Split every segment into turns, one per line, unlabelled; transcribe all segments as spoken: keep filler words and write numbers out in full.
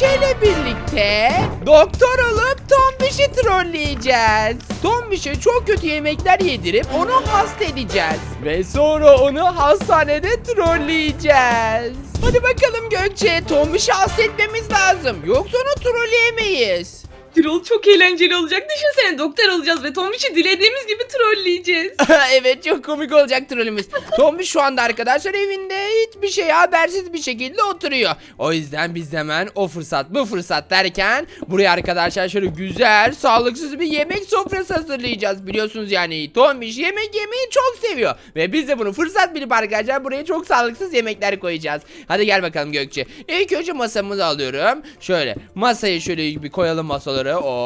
Gökçe ile birlikte doktor olup Tombiş'i trolleyeceğiz. Tombiş'e çok kötü yemekler yedirip onu hasta edeceğiz. Ve sonra onu hastanede trolleyeceğiz. Hadi bakalım Gökçe, Tombiş'i hasta etmemiz lazım. Yoksa onu trolleyemeyiz.
Troll çok eğlenceli olacak. Düşünsene, doktor olacağız ve Tombiş'i dilediğimiz gibi trolleyeceğiz.
Evet, çok komik olacak trollümüz. Tombiş şu anda arkadaşlar evinde hiçbir şey habersiz bir şekilde oturuyor. O yüzden biz hemen o fırsat bu fırsat derken buraya arkadaşlar şöyle güzel sağlıksız bir yemek sofrası hazırlayacağız. Biliyorsunuz yani Tombiş yemek yemeyi çok seviyor. Ve biz de bunu fırsat bilip arkadaşlar buraya çok sağlıksız yemekler koyacağız. Hadi gel bakalım Gökçe. İlk önce masamızı alıyorum. Şöyle masayı şöyle bir koyalım masaları.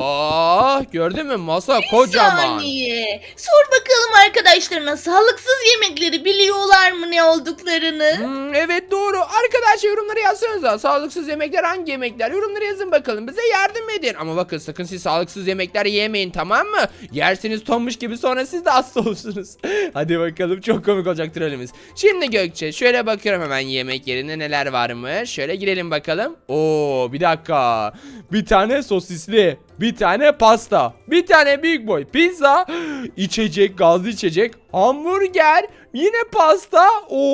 Oh, gördün mü masa kocaman.
Saniye. Sor bakalım arkadaşlarına sağlıksız yemekleri biliyorlar mı ne olduklarını?
Hmm, evet doğru. Arkadaşlar yorumlara yazsanıza. Sağlıksız yemekler hangi yemekler? Yorumlara yazın bakalım. Bize yardım edin. Ama bakın sakın siz sağlıksız yemekler yemeyin, tamam mı? Yersiniz Tombiş gibi sonra siz de hasta olursunuz. Hadi bakalım, çok komik olacak trollümüz. Şimdi Gökçe şöyle bakıyorum hemen yemek yerine neler varmış. Şöyle girelim bakalım. Oo, bir dakika. Bir tane sosisli, bir tane pasta, bir tane big boy pizza, içecek, gazlı içecek, hamburger, yine pasta.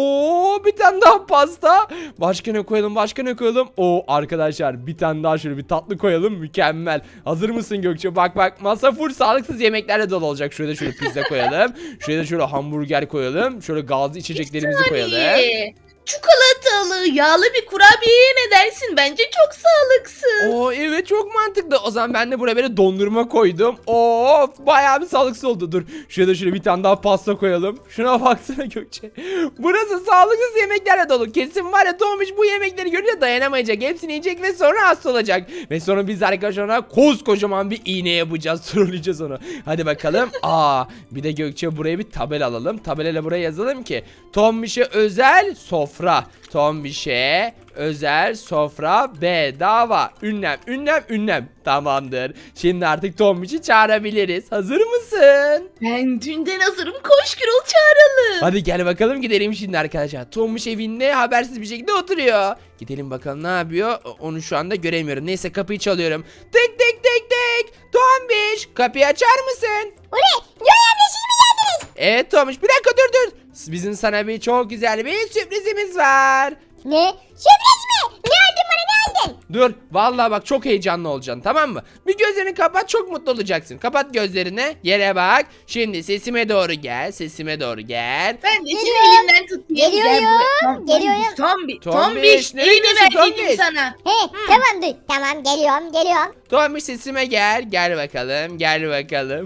Oo, bir tane daha pasta. Başka ne koyalım? Başka ne koyalım? Oo arkadaşlar, bir tane daha şöyle bir tatlı koyalım. Mükemmel. Hazır mısın Gökçe? Bak bak, masa full sağlıksız yemeklerle dolu olacak. Şurada şöyle pizza koyalım. Şurada şöyle hamburger koyalım. Şöyle gazlı içeceklerimizi koyalım.
Saniye. Çikolatalı, yağlı bir kurabiyeye ne dersin? Bence çok sağlıksız.
Oo evet, çok mantıklı. O zaman ben de buraya böyle dondurma koydum. Oo bayağı bir sağlıksız oldu. Dur şuraya da şöyle bir tane daha pasta koyalım. Şuna baksana Gökçe. Burası sağlıksız yemeklerle dolu. Kesin var ya Tomuş bu yemekleri görünce dayanamayacak. Hepsini yiyecek ve sonra hasta olacak. Ve sonra biz arkadaşlar ona koskocaman bir iğne yapacağız. Trolleyeceğiz onu. Hadi bakalım. Aa bir de Gökçe buraya bir tabela alalım. Tabelayla buraya yazalım ki Tombiş'e özel sofra. Tombiş'e özel sofra bedava. Ünlem, ünlem, ünlem. Tamamdır. Şimdi artık Tombiş'i çağırabiliriz. Hazır mısın?
Ben dünden hazırım. Koş Gürol, çağıralım.
Hadi gel bakalım, gidelim şimdi arkadaşlar. Tombiş evinde habersiz bir şekilde oturuyor. Gidelim bakalım ne yapıyor. Onu şu anda göremiyorum. Neyse kapıyı çalıyorum. Tık tık tık tık. Tombiş kapıyı açar mısın?
O ne? Yoy amca siz mi geldiniz?
Evet Tombiş, bir dakika dur dur. Bizim sana bir çok güzel bir sürprizimiz var.
Ne? Sürpriz mi? Ne aldın bana, ne aldın?
Dur vallahi bak, çok heyecanlı olacaksın, tamam mı? Bir gözlerini kapat, çok mutlu olacaksın. Kapat gözlerini, yere bak. Şimdi sesime doğru gel, sesime doğru gel.
Ben de seni
Geliyorum.
elimden tutayım.
Geliyorum.
Gel buraya.
Geliyorum.
Tombiş,
Tombiş,
Tombiş.
nereye
Elini
gidiyorsun,
ver dedim
Tombiş?
sana.
He tamam dur. Tamam geliyorum geliyorum.
Tombiş sesime gel, gel bakalım, gel bakalım.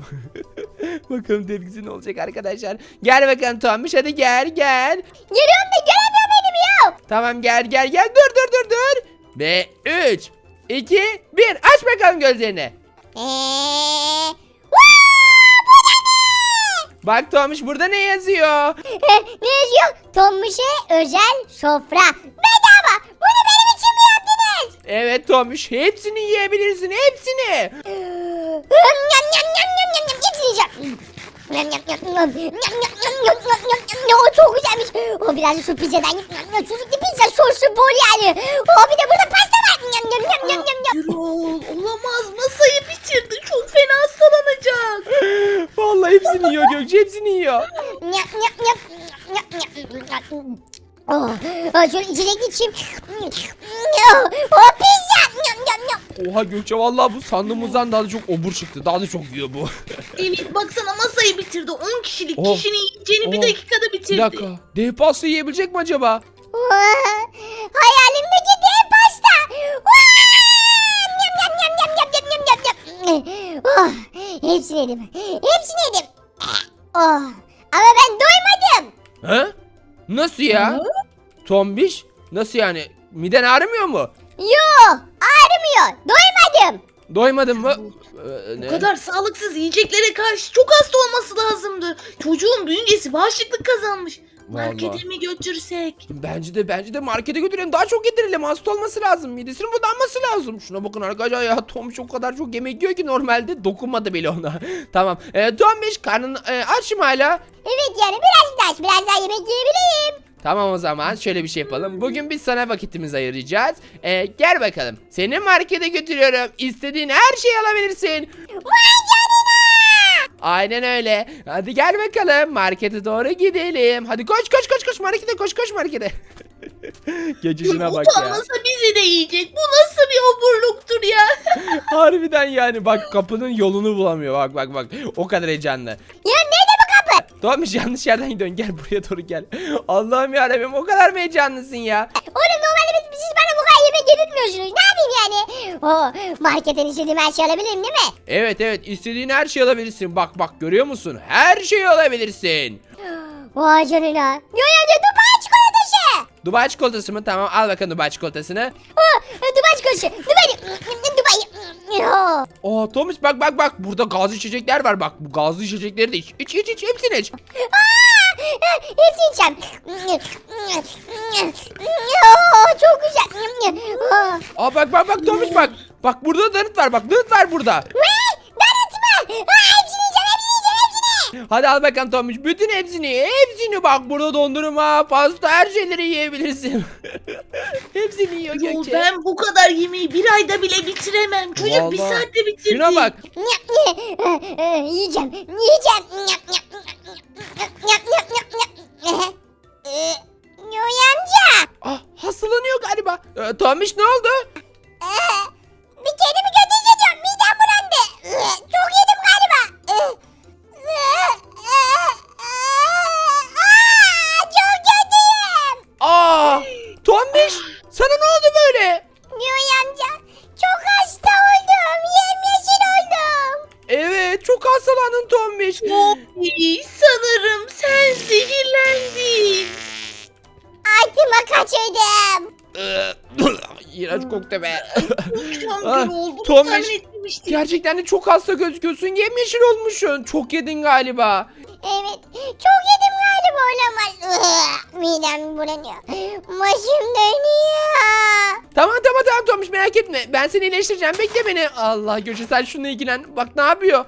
Bakalım tepkisi ne olacak arkadaşlar. Gel bakalım Tombiş, hadi gel gel.
Geliyorum da gelemiyor benim ya.
Tamam gel gel gel, dur dur dur dur. Ve üç, iki, bir, aç bakalım gözlerini.
Eee.
Bak Tombiş, burada ne yazıyor?
Ne yazıyor? Tombiş'e özel sofra. Bedava. Bunu benim için mi yaptınız?
Evet Tombiş, hepsini yiyebilirsin, hepsini.
Yam yam yam yam yam yam yam. Hepsini yiyeceğim. Yam yam yam yam yam yam yam yam yam yam yam. O çok güzelmiş. O biraz da şu pizzadan. Sucuklu pizza soslu bol yani. O bir de burada pasta var. Yam yam yam yam yam yam.
Gürol, olamaz, masayı bitirdi. Çok fena hastalanacak.
Vallahi hepsini yiyor Gökçe, hepsini yiyor.
Yam yam yam yam yam. Oh, oh, şöyle içecek içeyim. Oh, oh pizza. Yam yam yam.
Oha Gökçe, vallahi bu sandığımızdan daha da çok obur çıktı. Daha da çok yiyor bu.
Evet, baksana masayı bitirdi. on kişilik
Oh.
kişinin yiyeceğini bir
Oh.
dakikada bitirdi.
Bir dakika, dev pasta yiyebilecek mi acaba?
Oh, hayalimdeki dev pasta. Oh, yam yam yam yam yam yam yam yam yam. Oh, hepsini yedim. Hepsini yedim. Oh, ama ben doymadım.
He? Nasıl ya? Tombiş? Nasıl yani? Miden ağrımıyor mu?
Yo, ağrımıyor. Doymadım.
Doymadın mı? Ee,
Bu
ne?
kadar sağlıksız yiyeceklere karşı çok hasta olması lazımdı. Çocuğun bünyesi bağışıklık kazanmış.
Vallahi.
Markete mi götürsek?
Bence de bence de markete götürelim. Daha çok yedirelim. Hasta olması lazım. Midesinin budanması lazım. Şuna bakın arkadaşlar ya. Tombiş o kadar çok yemek yiyor ki normalde dokunmadı bile ona. Tamam. Ee, Tombiş karnın e, aç mı hala?
Evet yani birazcık daha, biraz daha yemek yiyebileyim.
Tamam o zaman şöyle bir şey yapalım. Bugün biz sana vakitimizi ayıracağız. Ee, gel bakalım. Seni markete götürüyorum. İstediğin her şeyi alabilirsin.
Vay canına.
Aynen öyle. Hadi gel bakalım. Markete doğru gidelim. Hadi koş koş koş koş markete koş koş markete. Geçişine bak ya.
Utanmasa bizi de yiyecek. Bu nasıl bir oburluktur ya?
Harbiden yani bak kapının yolunu bulamıyor. Bak bak bak. O kadar heyecanlı.
Ya nerede bu kapı?
Tamam yanlış yerden gidiyorsun. Gel buraya doğru gel. Allah'ım yarabbim o kadar mı heyecanlısın ya?
Oğlum normalde biz, siz bana bu kadar yemek yedirtmiyorsunuz. Ne yapayım yani? O marketten istediğim her şeyi alabilirim değil mi?
Evet evet istediğin her şeyi alabilirsin. Bak bak görüyor musun? Her şeyi alabilirsin.
Vay canına. Yoy amca Dubai çikolatası.
Dubai çikolatası mı? Tamam al bakalım Dubai çikolatasını.
Ha, Dubai çikolatası. Dubai. Dubai. Ya.
Aa Tomiş bak bak bak burada gazlı içecekler var bak bu gazlı içecekleri de iç iç iç, iç hepsini iç.
Aa, hepsini içeceğim. Ya, çok güzel. Aa.
Aa bak bak bak Tomiş bak bak burada donut var bak donut var burada.
Ne? Donut mu? Aa, hepsini yiyeceğim, hepsini yiyeceğim, hepsini.
Hadi al bakalım Tomiş bütün hepsini hepsini bak burada dondurma pasta her şeyleri yiyebilirsin. Hepsini yiyor
Yo,
Gökçe.
ben bu kadar yemeği bir ayda bile bitiremem. Çocuk bir
Vallahi.
saatte bitirdi.
Şuna bak.
Yiyeceğim, yiyeceğim. Yoy amca.
Ah hastalanıyor galiba. Ee, Tomiş ne oldu?
Bir kendimi kötü hissediyorum. Midem bulandı. Çok yedim galiba. Aa, çok kötüyüm.
Aa Tomiş sana ne oldu böyle?
Yoy amca. Çok hasta oldum. Yemyeşil oldum.
Evet çok hastalandın Tomiş.
Oy, sanırım sen zehirlendin.
Altıma kaçırdım.
İğrenç koktu be.
Çok
Ah,
oldu.
Tomiş.
Tahmin etmemiştim.
Gerçekten de çok hasta gözüküyorsun. Yemyeşil olmuşsun. Çok yedin galiba.
Evet. Çok yedim galiba olamaz. Midem bulanıyor. Başım dönüyor.
Tamam tamam tamam Tomiş merak etme. Ben seni iyileştireceğim. Bekle beni. Allah Gökçe sen şununla ilgilen. Bak ne yapıyor.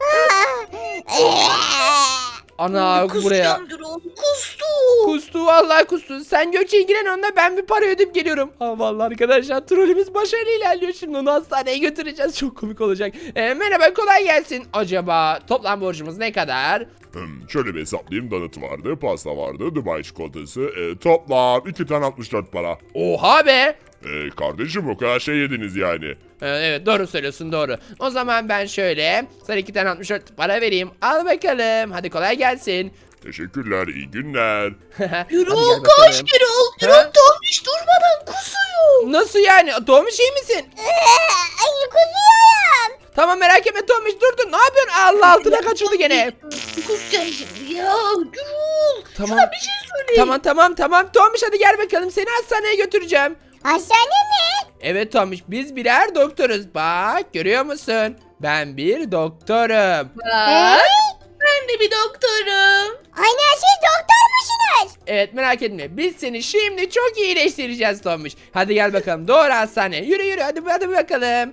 Ana buraya.
Kusacağım Gürol. Kustu.
Kustu vallahi kustu. Sen Gökçe ilgilen onunla ben bir para ödeyip geliyorum. Ha vallahi arkadaşlar trolümüz başarılı ilerliyor. Şimdi onu hastaneye götüreceğiz. Çok komik olacak. Ee, merhaba kolay gelsin. Acaba toplam borcumuz ne kadar?
Hmm, şöyle bir hesaplayayım. Donut vardı, pasta vardı, Dubai çikolatası. E, toplam iki tane altmış dört para.
Oha be.
E, kardeşim o kadar şey yediniz yani.
Ee, Evet doğru söylüyorsun doğru. O zaman ben şöyle sana iki tane altmış dört para vereyim. Al bakalım. Hadi kolay gelsin.
Teşekkürler, iyi günler.
Hadi
Gürol
gel
koş
bakalım.
Gürol.
Ha?
Gürol Tomiş durmadan kusuyor.
Nasıl yani? Tomiş iyi misin?
Ay, kusuyorum.
Tamam merak etme Tomiş dur dur. Ne yapıyorsun? Allah altına kaçırdı gene.
Kusacağım şimdi ya. Gürol.
Tamam.
Sana bir şey söyleyeyim.
Tamam tamam tamam. Tomiş hadi gel bakalım. Seni hastaneye götüreceğim.
Hastane mi?
Evet Tomiş biz birer doktoruz. Bak görüyor musun? Ben bir doktorum.
Bak, ben de bir doktorum.
Aynen siz doktor musunuz?
Evet merak etme. Biz seni şimdi çok iyileştireceğiz Tomiş. Hadi gel bakalım. Doğru hastaneye. Yürü yürü hadi hadi bakalım.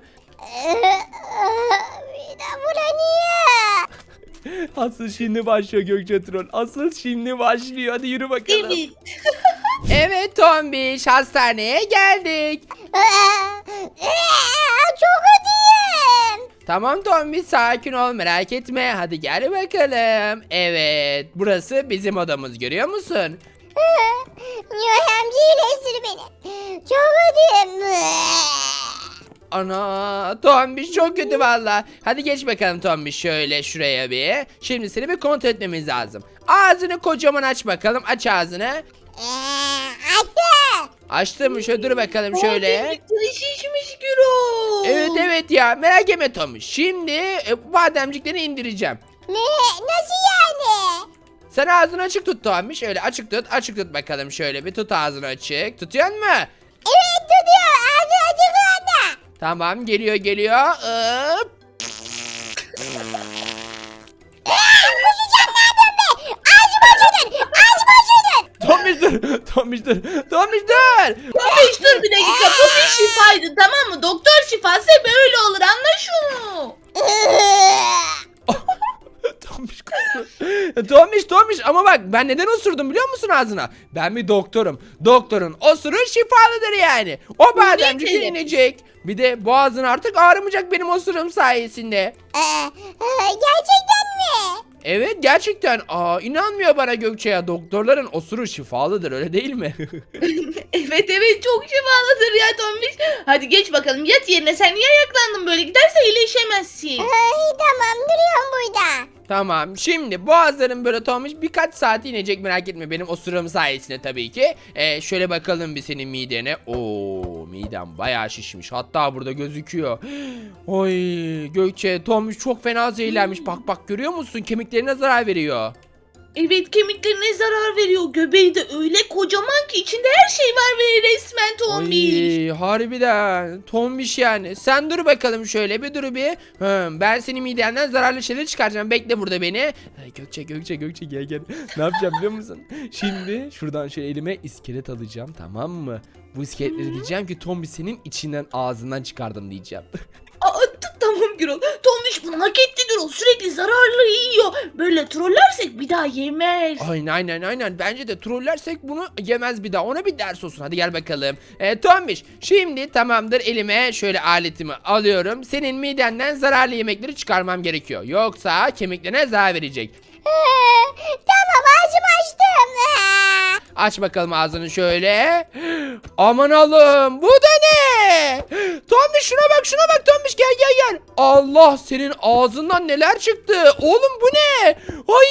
Midem bulanıyor.
Asıl şimdi başlıyor Gökçe Troll. Asıl şimdi başlıyor. Hadi yürü bakalım.
Evet.
Evet Tombiş hastaneye geldik.
Çok ödeyim.
Tamam Tombiş sakin ol merak etme. Hadi gel bakalım. Evet burası bizim odamız görüyor musun?
Yoy amca iyileştir beni. Çok ödeyim.
Ana Tombiş çok kötü valla. Hadi geç bakalım Tombiş şöyle şuraya bir. Şimdi seni bir kontrol etmemiz lazım. Ağzını kocaman aç bakalım. Aç ağzını.
Açtı.
Açtın mı? Şöyle dur bakalım şöyle.
Bademcikleri şişmiş Gürol.
Evet evet ya merak etme Tombiş. Şimdi e, bademcikleri indireceğim.
Ne? Nasıl yani?
Sen ağzını açık tut Tombiş. Öyle açık tut. Açık tut bakalım şöyle bir tut ağzını açık. Tutuyor mu?
Evet tutuyor. Ağzı açık anda.
Tamam geliyor geliyor. Hop.
Kusacağım ne yapıyorsun be? Ağzımı açıyordun. Ağzımı açıyordun.
Tombiş dur. Tombiş dur. Tombiş dur.
Tomiş dur bir dakika. Bu bir şifaydı tamam mı? Doktor şifası böyle olur anla şunu.
Tombiş kustu. Tombiş Tombiş ama bak ben neden osurdum biliyor musun ağzına? Ben bir doktorum. Doktorun osuru şifalıdır yani. O bademcik
ne?
inecek. Bir de boğazın artık ağrımayacak benim osurum sayesinde.
Ee, e, gerçekten mi?
Evet gerçekten. Aa inanmıyor bana Gökçe ya. Doktorların osuru şifalıdır öyle değil mi?
Evet evet çok şifalıdır ya Tombiş. Hadi geç bakalım yat yerine, sen niye ayaklandın böyle, giderse iyileşemezsin.
Ay tamam duruyorum burada.
Tamam şimdi boğazların böyle Tomuş birkaç saat inecek merak etme benim osurum sayesinde tabii ki. Ee, şöyle bakalım bir senin midene. Oo midem bayağı şişmiş hatta burada gözüküyor. Oy Gökçe Tomuş çok fena zehirlenmiş bak bak görüyor musun kemiklerine zarar veriyor.
Evet kemiklerine zarar veriyor. Göbeği de öyle kocaman ki içinde her şey var ve resmen Tombiş.
Ay harbiden Tombiş yani. Sen dur bakalım şöyle bir dur bir. Hı, ben senin midenden zararlı şeyler çıkaracağım. Bekle burada beni. Ay, Gökçe Gökçe Gökçe gel gel. Ne yapacağım biliyor musun? Şimdi şuradan şöyle elime iskelet alacağım tamam mı? Bu iskeletleri diyeceğim ki Tombiş senin içinden ağzından çıkardım diyeceğim.
Aa, t- tamam Gürol. Tombiş bunu hak etti Gürol. Sürekli zararlı yiyor. Böyle trollersek bir daha yemez.
Aynen aynen aynen. Bence de trollersek bunu yemez bir daha. Ona bir ders olsun. Hadi gel bakalım. E, Tombiş şimdi tamamdır elime şöyle aletimi alıyorum. Senin midenden zararlı yemekleri çıkarmam gerekiyor. Yoksa kemiklerine zarar verecek.
Ee, tamam ağzımı açtım. Ee.
Aç bakalım ağzını şöyle. Aman Allah'ım bu da ne? Tombiş şuna bak şuna bak Tombiş gel gel gel. Allah senin ağzından neler çıktı? Oğlum bu ne? Ay!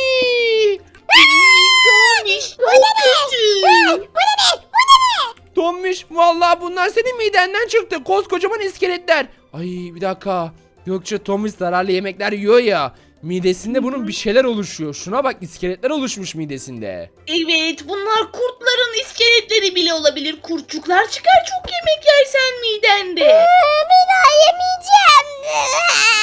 Tombiş
Bu
çok
ne be?
kötü.
Ee, Bu ne be? Bu ne be?
Tombiş vallahi bunlar senin midenden çıktı. Koskocaman iskeletler. Ay bir dakika. Gökçe Tombiş zararlı yemekler yiyor ya. Midesinde bunun bir şeyler oluşuyor. Şuna bak iskeletler oluşmuş midesinde.
Evet bunlar kurtların iskeletleri bile olabilir. Kurtçuklar çıkar çok yemek yersen midende.
Ee, bir daha yemeyeceğim. Ee.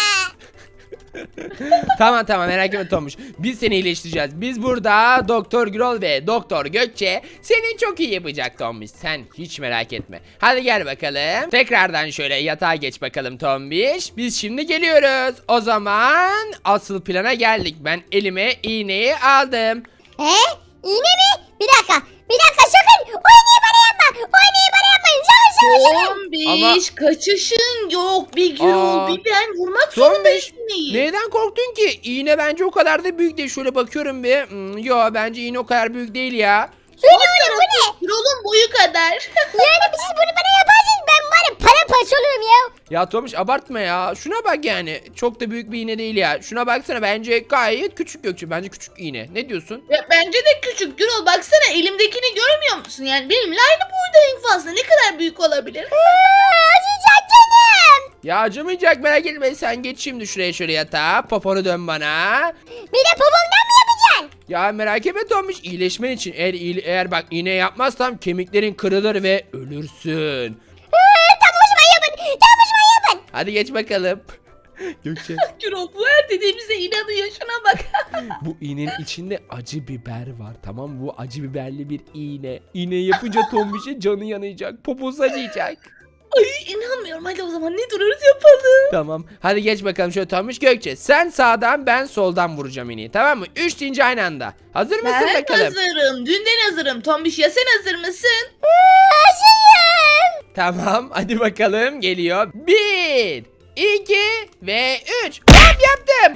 Tamam tamam merak etme Tomuş. Biz seni iyileştireceğiz. Biz burada Doktor Gürol ve Doktor Gökçe seni çok iyi yapacak Tomuş. Sen hiç merak etme. Hadi gel bakalım. Tekrardan şöyle yatağa geç bakalım Tombiş. Biz şimdi geliyoruz. O zaman asıl plana geldik. Ben elime iğneyi aldım.
He? İğne mi? Bir dakika. Bir dakika sakın. O iğneyi bana yapma. O iğneyi bana yapmayın. Sakın sakın sakın.
Tombiş kaçışın yok. Bir Gürol
Aa.
bir ben vurmak
Tombiş
zorundayız iğneyi.
neden korktun ki? İğne bence o kadar da büyük değil. Şöyle bakıyorum bir. Hmm, yo bence iğne o kadar büyük değil ya.
Söyle oğlum bu ne?
Gürol'un boyu kadar.
Yani siz bunu bana yaparsınız ben var ya paramparça olurum ya.
Ya Tomuş abartma ya. Şuna bak yani. Çok da büyük bir iğne değil ya. Şuna baksana bence gayet küçük Gökçe. Bence küçük iğne. Ne diyorsun?
Ya bence de küçük Gürol, baksana elimdekini görmüyor musun? Yani benimle aynı boyda en fazla. Ne kadar büyük olabilir?
Aa, acıyacak canım.
Ya acımayacak merak etme. Sen geç şimdi şuraya şöyle yatağa. Poponu dön bana.
Bir de popomdan mı yapacaksın?
Ya merak etme Tomuş. İyileşmen için eğer, iyile- eğer bak iğne yapmazsam kemiklerin kırılır ve ölürsün.
Ee, tam hoşuma yapın. Tam hoşuma yapın.
Hadi geç bakalım. Gökçe
Gürol bu her dediğimize inanıyor. Şuna bak.
bu iğnenin içinde acı biber var tamam mı? Bu acı biberli bir iğne. İğne yapınca Tombiş'in canı yanacak. Poposu acıyacak.
Ay inanmıyorum. Hadi o zaman ne duruyoruz yapalım.
Tamam. Hadi geç bakalım şöyle Tombiş Gökçe. Sen sağdan ben soldan vuracağım iğneyi tamam mı? Üç deyince aynı anda. Hazır mısın
Ben
bakalım?
hazırım. Dünden hazırım. Tombiş ya sen hazır mısın?
Acıyım.
Tamam hadi bakalım geliyor. Bir, iki ve üç. Hop yaptım.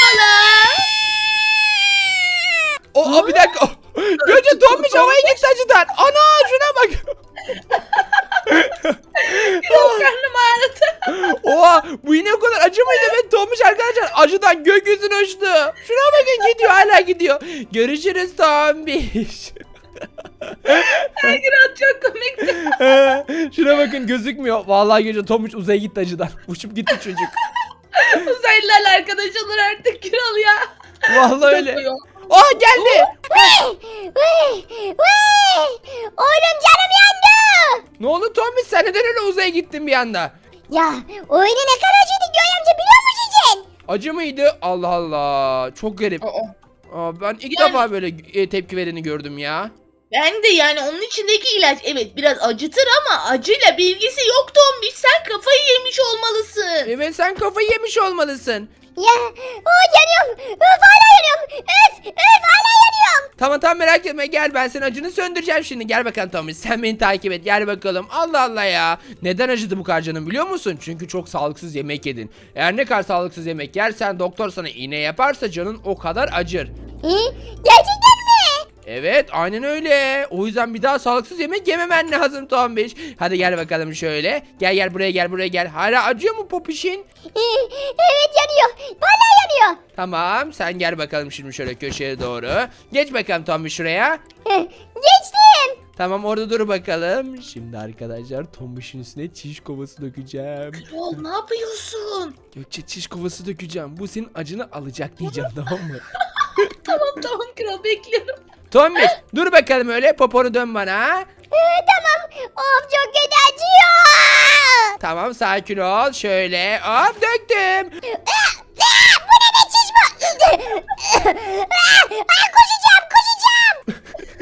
O, o bir dakika. Oh. Gökçe Tombiş havaya gitti acıdan. Ana şuna bak.
Karnım ağrıdı.
Oha bu iğne o kadar acı mıydı ve Tombiş arkadaşlar acıdan gökyüzüne uçtu. Şuna bakın gidiyor hala gidiyor. Görüşürüz Tombiş.
Gürol çok komikti.
Şuna bakın gözükmüyor. Vallahi gece Tombiş uzaya gitti acıdan. Uçup gitti çocuk.
Uzaylılarla arkadaş olur artık Gürol ya.
Vallahi öyle.
Yapıyor.
Aa geldi.
Vıy, vıy, vıy. Oğlum canım yandı.
Ne oldu Tombiş sen neden öyle uzaya gittin bir anda?
Ya o iğne ne kadar acıydı Göğe amca biliyor musun sen?
Acı mıydı? Allah Allah. Çok garip.
Aa.
Aa, ben ilk
Yani-
defa böyle e, tepki vereni gördüm ya.
Ben de yani onun içindeki ilaç evet biraz acıtır ama acıyla bilgisi yok Tombiş. Sen kafayı yemiş olmalısın.
Evet sen kafayı yemiş olmalısın.
Ya o yanıyorum. Öf hala yanıyorum. Öf öf hala yanıyorum.
Tamam tamam merak etme gel ben senin acını söndüreceğim şimdi. Gel bakalım Tombiş sen beni takip et gel bakalım. Allah Allah ya. Neden acıdı bu kadar canım biliyor musun? Çünkü çok sağlıksız yemek yedin. Eğer ne kadar sağlıksız yemek yersen doktor sana iğne yaparsa canın o kadar acır.
Hı? Gerçekten mi?
Evet aynen öyle. O yüzden bir daha sağlıksız yemek yememen lazım Tombiş. Hadi gel bakalım şöyle. Gel gel buraya gel buraya gel. Hala acıyor mu popişin?
Hı, evet yanıyor. Hala yanıyor.
Tamam sen gel bakalım şimdi şöyle köşeye doğru. Geç bakalım Tombiş şuraya.
Hı, geçtim.
Tamam orada dur bakalım. Şimdi arkadaşlar Tombiş'in üstüne çiş kovası dökeceğim.
Oğlum ne yapıyorsun?
Gökçe çiş kovası dökeceğim. Bu senin acını alacak diyeceğim tamam mı?
Tamam tamam kral bekliyorum.
Tombiş dur bakalım öyle poponu dön bana.
Hı, tamam. Of çok kötü acıyor.
Tamam sakin ol. Şöyle hop döktüm.
Bu ne de çiş bu? Aa, koşacağım koşacağım.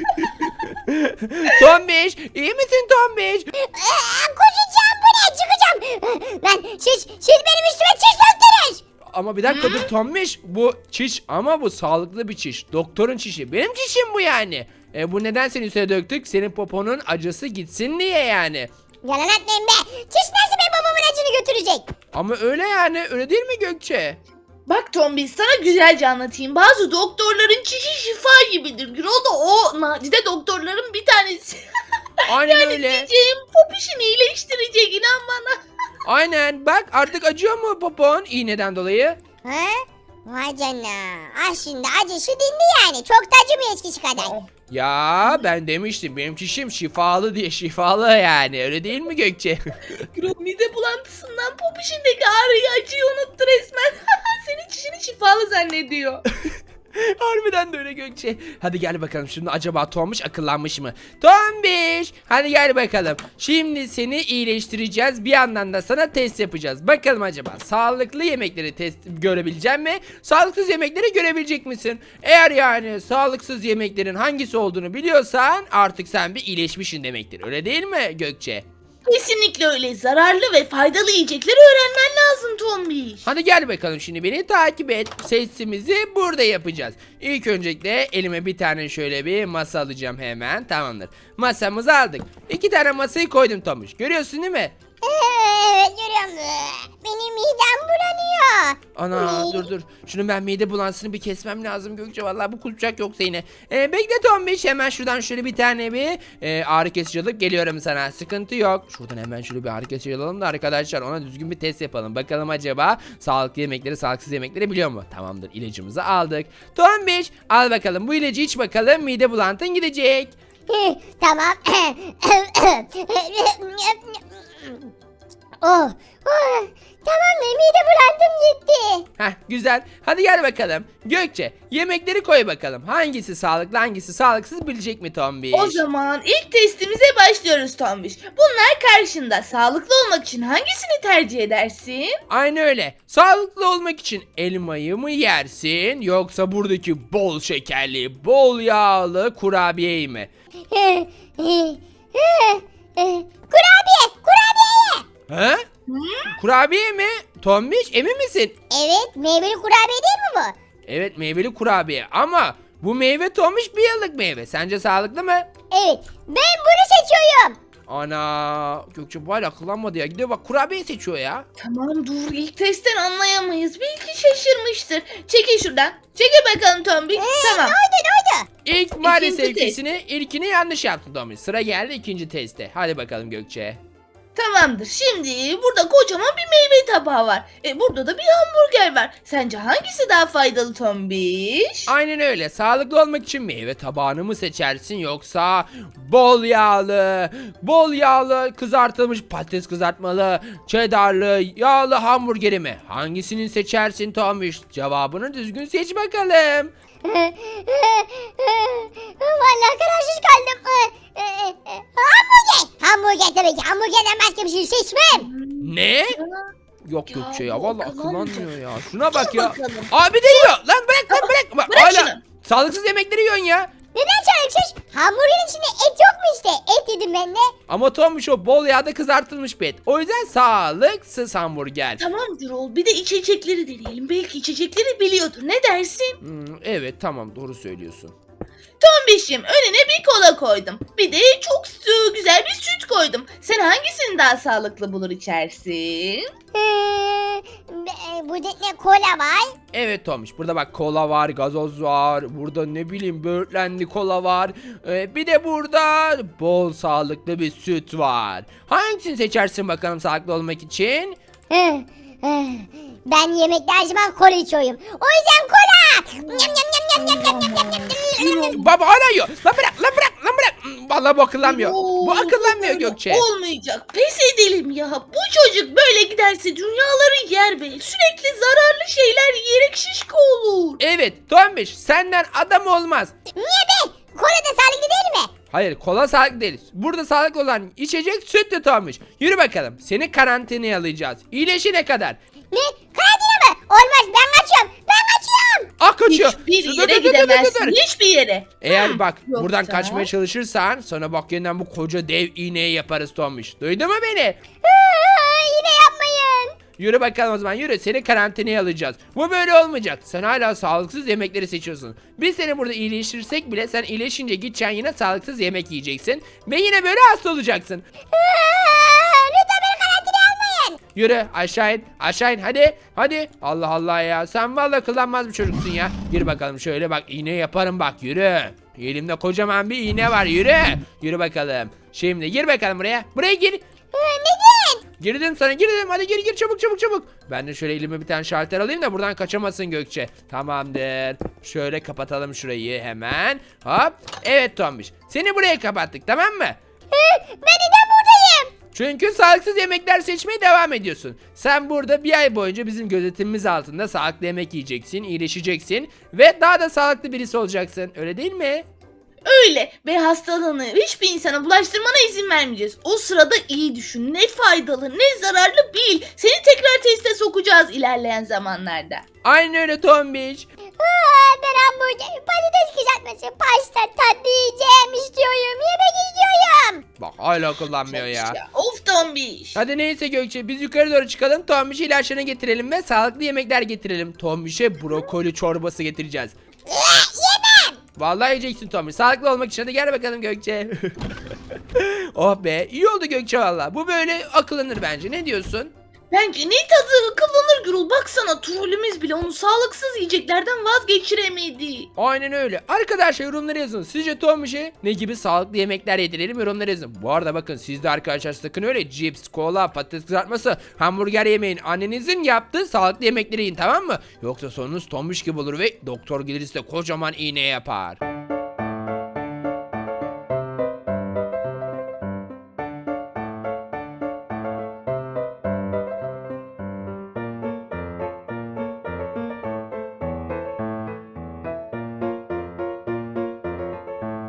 Tombiş iyi misin Tombiş?
Aa, koşacağım bu ne çıkacağım. Lan siz, siz benim üstüme çiş döktünüz.
Ama bir dakika dur Tombiş. Bu çiş ama bu sağlıklı bir çiş. Doktorun çişi. Benim çişim bu yani. E, bu neden senin üstüne döktük? Senin poponun acısı gitsin diye yani.
Yalan atmayın be. Çiş nasıl benim babamın acını götürecek?
Ama öyle yani öyle değil mi Gökçe?
Bak Tombiş sana güzelce anlatayım. Bazı doktorların çişi şifa gibidir. Gürol da o nadide doktorların bir tanesi.
Aynen
yani
öyle.
diyeceğim popişini iyileştirecek inan bana.
Aynen bak artık acıyor mu popon iğneden dolayı?
Ha? Vay canına. Ah şimdi acısı dindi yani. Çok da acımıyor eskisi kadar.
Ya ben demiştim benim çişim şifalı diye şifalı yani öyle değil mi Gökçe?
Gürol mide bulantısından popişindeki ağrıyı acıyı unuttu resmen. Senin çişini şifalı zannediyor.
Harbiden de öyle Gökçe. Hadi gel bakalım şimdi acaba Tombiş akıllanmış mı? Tombiş hadi gel bakalım. Şimdi seni iyileştireceğiz bir yandan da sana test yapacağız. Bakalım acaba sağlıklı yemekleri test görebilecek mi? Sağlıksız yemekleri görebilecek misin? Eğer yani sağlıksız yemeklerin hangisi olduğunu biliyorsan artık sen bir iyileşmişsin demektir. Öyle değil mi Gökçe?
Kesinlikle öyle. Zararlı ve faydalı yiyecekleri öğrenmen lazım Tombiş.
Hadi gel bakalım şimdi beni takip et. Testimizi burada yapacağız. İlk öncelikle elime bir tane şöyle bir masa alacağım hemen. Tamamdır. Masamızı aldık. İki tane masayı koydum Tomuş. Görüyorsun değil mi?
Evet görüyorum. Benim midem bulanıyor.
Ana dur dur. Şunu ben mide bulansını bir kesmem lazım Gökçe. Vallahi bu kusacak yoksa yine. Ee, bekle Tombiş hemen şuradan şöyle bir tane bir e, ağrı kesici alıp geliyorum sana. Sıkıntı yok. Şuradan hemen şöyle bir ağrı kesici alalım da arkadaşlar ona düzgün bir test yapalım. Bakalım acaba sağlıklı yemekleri sağlıksız yemekleri biliyor mu? Tamamdır ilacımızı aldık. Tombiş al bakalım bu ilacı iç bakalım mide bulantın gidecek.
Hı, tamam. oh, oh, tamam mide bulandım gitti.
Heh güzel. Hadi gel bakalım. Gökçe yemekleri koy bakalım. Hangisi sağlıklı hangisi sağlıksız bilecek mi Tombiş?
O zaman ilk testimize başlıyoruz Tombiş. Bunlar karşında. Sağlıklı olmak için hangisini tercih edersin?
Aynı öyle. Sağlıklı olmak için elmayı mı yersin yoksa buradaki bol şekerli, bol yağlı kurabiyeyi mi?
Kurabiye, kurabiye.
He? Kurabiye mi? Tombiş emin misin?
Evet, meyveli kurabiye değil mi bu?
Evet meyveli kurabiye ama bu meyve Tombiş bir yıllık meyve. Sence sağlıklı mı?
Evet, ben bunu seçiyorum.
Ana Gökçe bu hala akıllanmadı ya. Gidiyor bak kurabiye seçiyor ya.
Tamam dur ilk testten anlayamayız. Belki şaşırmıştır. Çekil şuradan. Çekil bakalım Tombiş. tamam.
Ne oldu, ne oldu?
İlk maalesef
İkinci test.
ikisini, ilkini yanlış yaptın Tombiş. Sıra geldi ikinci teste. Hadi bakalım Gökçe.
Tamamdır. Şimdi burada kocaman bir meyve tabağı var. E burada da bir hamburger var. Sence hangisi daha faydalı Tombiş?
Aynen öyle. Sağlıklı olmak için meyve tabağını mı seçersin yoksa bol yağlı, bol yağlı kızartılmış patates kızartmalı, cheddarlı, yağlı hamburgeri mi? Hangisini seçersin Tombiş? Cevabını düzgün seç bakalım.
Vallahi kararsız kaldım. Hamburger. Hamburger tabii ki. Hamburgerden başka bir şey seçmem.
Ne? Yok
Ya,
Gökçe ya
bu
vallahi
akıllandı.
akıllanmıyor ya. Şuna bak
Dur
ya.
bakalım.
Abi de yiyor. Lan bırak lan bırak. Bak,
bırak
hala
şunu.
sağlıksız yemekleri yiyorsun ya.
Neden sağlıksız? Hamburgerin içinde et yok mu işte? Et yedim ben de.
Ama Tombiş o bol yağda kızartılmış bir et. O yüzden sağlıksız hamburger.
Tamam Gürol, bir de içecekleri deneyelim. Belki içecekleri biliyordur. Ne dersin?
Hmm, evet tamam doğru söylüyorsun.
Tombiş'im, önüne bir kola koydum. Bir de çok su- güzel bir süt koydum. Sen hangisini daha sağlıklı bulur içersin?
Ee, be- burada ne kola var?
Evet Tombiş burada bak kola var, gazoz var. Burada ne bileyim böğürtlenli kola var. Ee, bir de burada bol sağlıklı bir süt var. Hangisini seçersin bakalım sağlıklı olmak için?
Hı, hı. Ben yemekte her zaman kola içiyorum. O yüzden kola. Nyam nyam nyam nyam nyam nyam nyam nyam nyam nyam.
Baba hala yiyor. Lan bırak lan bırak lan bırak. Hmm, Vallahi bu akıllanmıyor.
Oo,
Bu akıllanmıyor
böyle
Gökçe.
Olmayacak. Pes edelim ya. Bu çocuk böyle giderse dünyaları yer ve sürekli zararlı şeyler yiyerek şişko olur.
Evet Tombiş senden adam olmaz.
Niye be? Kola da sağlıklı değil mi?
Hayır kola sağlıklı değil. Burada sağlıklı olan içecek sütlü Tombiş. Yürü bakalım seni karantinaya alacağız. İyileşene kadar.
Ne? Karantina mı? Olmaz ben kaçıyorum. Ben kaçıyorum.
Ah kaçıyor.
Hiçbir
Dur,
yere
dur, dur, dur, dur,
gidemezsin.
dur.
Hiçbir yere.
Eğer bak
Yoksa-
buradan kaçmaya çalışırsan sonra bak yeniden bu koca dev iğneyi yaparız Tombiş. Duydun mu beni?
Aa, yine yapmayın.
Yürü bakalım o zaman yürü seni karantinaya alacağız. Bu böyle olmayacak. Sen hala sağlıksız yemekleri seçiyorsun. Biz seni burada iyileştirsek bile sen iyileşince gideceksin yine sağlıksız yemek yiyeceksin. Ve yine böyle hasta olacaksın.
Aa, lütfen beni karantinaya almayın.
Yürü aşağı in aşağı in hadi hadi. Allah Allah ya sen vallahi kullanmaz bir çocuksun ya. Yürü bakalım şöyle bak iğne yaparım bak yürü. Elimde kocaman bir iğne var yürü. Yürü bakalım. Şimdi gir bakalım buraya. Buraya gir.
Aa, neden?
Girdim sana girdim hadi gir gir çabuk çabuk çabuk. Ben de şöyle elime bir tane şalter alayım da buradan kaçamasın Gökçe. Tamamdır. Şöyle kapatalım şurayı hemen. Hop. Evet Tombiş. Seni buraya kapattık tamam mı?
Ee, ben neden buradayım?
Çünkü sağlıksız yemekler seçmeye devam ediyorsun. Sen burada bir ay boyunca bizim gözetimimiz altında sağlıklı yemek yiyeceksin, iyileşeceksin ve daha da sağlıklı birisi olacaksın. Öyle değil mi?
Öyle ve hastalığını hiçbir insana bulaştırmana izin vermeyeceğiz. O sırada iyi düşün. Ne faydalı ne zararlı bil. Seni tekrar teste sokacağız ilerleyen zamanlarda.
Aynen öyle Tombiş.
Aa, ben hamburger, patates kızartması, pasta, tatlı yiyeceğim istiyorum. Yemek istiyorum.
Bak hala kullanmıyor ya.
Ya, of tombiş.
Hadi neyse Gökçe biz yukarı doğru çıkalım. Tombiş'e ilaçlarını getirelim ve sağlıklı yemekler getirelim. Tombiş'e brokoli çorbası getireceğiz.
Yemem.
Vallahi yiyeceksin Tombiş. Sağlıklı olmak için hadi gel bakalım Gökçe. Oh be iyi oldu Gökçe valla. Bu böyle akıllanır bence. Ne diyorsun?
Bence ne tadı akıllanır Gürül. Baksana trollümüz bile onu sağlıksız yiyeceklerden vazgeçiremedi.
Aynen öyle. Arkadaşlar yorumlara yazın. Sizce Tombiş'e ne gibi sağlıklı yemekler yedirelim yorumlara yazın. Bu arada bakın siz de arkadaşlar sakın öyle cips, kola, patates kızartması, hamburger yemeyin. Annenizin yaptığı sağlıklı yemekleri yiyin tamam mı? Yoksa sonunuz Tombiş gibi olur ve doktor gelir size kocaman iğne yapar.